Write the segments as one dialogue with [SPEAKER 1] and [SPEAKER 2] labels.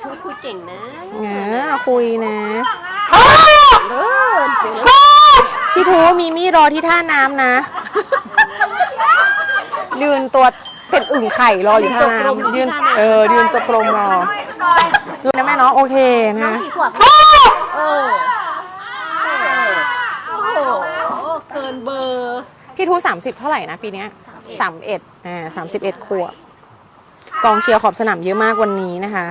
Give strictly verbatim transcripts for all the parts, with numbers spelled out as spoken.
[SPEAKER 1] ช่วยคุยเก่งนะ
[SPEAKER 2] เออคุยนะ
[SPEAKER 1] เลิศเสียง
[SPEAKER 2] พี่ทูมีมี่รอที่ท่าน้ำนะยืนตัวเป็นอึ่งไข่รออยู่ท่าน้ำยืนเออยืนตัวกลมรอยืนนะแม่เนาะโอเคนะ
[SPEAKER 1] กี่ขวบเออโอ้โหเกินเบอร์
[SPEAKER 2] พี่ทูสามสิบเท่าไหร่นะปีนี้สามเอ็ดอ่าสามสิบเอ็ดขวบกองเชียร์ขอบสนามเยอะมากวันนี้นะคะ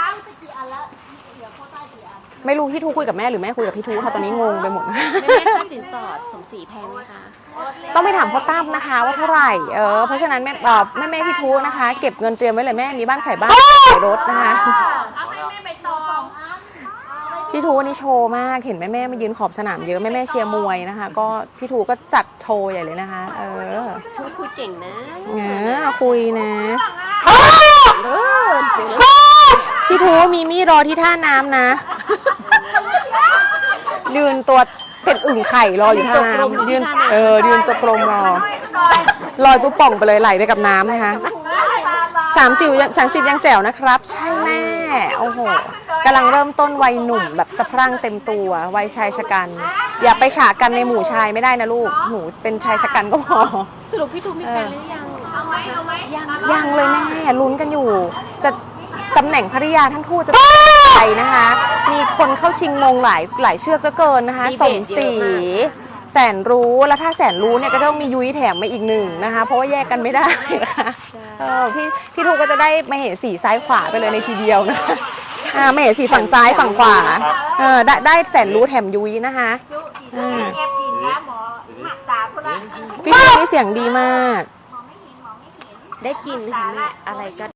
[SPEAKER 2] ไม่รู้พี่ทูคุยกับแม่หรือแม่คุยกับพี่ทูค่ะตอนนี้งงไปหมด
[SPEAKER 1] แม่ค่าสินสอดสมศรีแพงไหมคะ
[SPEAKER 2] ต้องไปถามพ่อตั้มนะคะว่าเท่าไหร่เออเพราะฉะนั้นแม่แม่แม่พี่ทูนะคะเก็บเงินเตรียมไว้เลยแม่มีบ้านขายบ้านขายรถนะคะพี่ทูวันนี้โชว์มากเห็นแม่แม่มายืนขอบสนามเยอะแม่แม่เชียร์มวยนะคะก็พี่ทูก็จัดโชว์ใหญ่เลยนะคะเออ
[SPEAKER 1] ช่วยคุยเก่งนะ
[SPEAKER 2] เออคุยนะ
[SPEAKER 1] เลิศเสียง
[SPEAKER 2] พี่ทูมีมี่รอที่ท่าน้ำนะยืนตัวเป็นอึ่งไข่รออยู่ท่าน้ำยืนเออยืนตัวกลมรอลอยตัวป่องไปเลยไหลไปกับน้ำนะคะสามจิ๋วสามสิบยังแจ๋วนะครับใช่แม่โอ้โหกำลังเริ่มต้นวัยหนุ่มแบบสะพรั่งเต็มตัววัยชายชะกันอย่าไปฉากกันในหมู่ชายไม่ได้นะลูกหนูเป็นชายชะกันก็พอ
[SPEAKER 1] สรุปพี่ทูมีแฟนหรือยัง
[SPEAKER 2] ยังยังเลยแม่ลุ้นกันอยู่จะตำแหน่งภริยาทั้งคู่จะไปนะคะมีคนเข้าชิงมงหลายหลายเชือกเหลือเกินนะคะสมศรีแสนรู้แล้วถ้าแสนรู้เนี่ยก็ต้องมียุ้ยแถมมาอีกหนึ่งนะคะเพราะว่าแยกกันไม่ได้นะคะเออพี่พี่ทูก็จะได้มาเห็นสีซ้ายขวาไปเลยในทีเดียวนะคะอ่าไม่เห็นสีฝั่งซ้ายฝั่งขวาเออได้ได้แสนรู้แถมยุ้ยนะคะอ่าพี่ทูนี่เสียงดีมาก
[SPEAKER 1] ได้กินค่ะแม่อะไรก็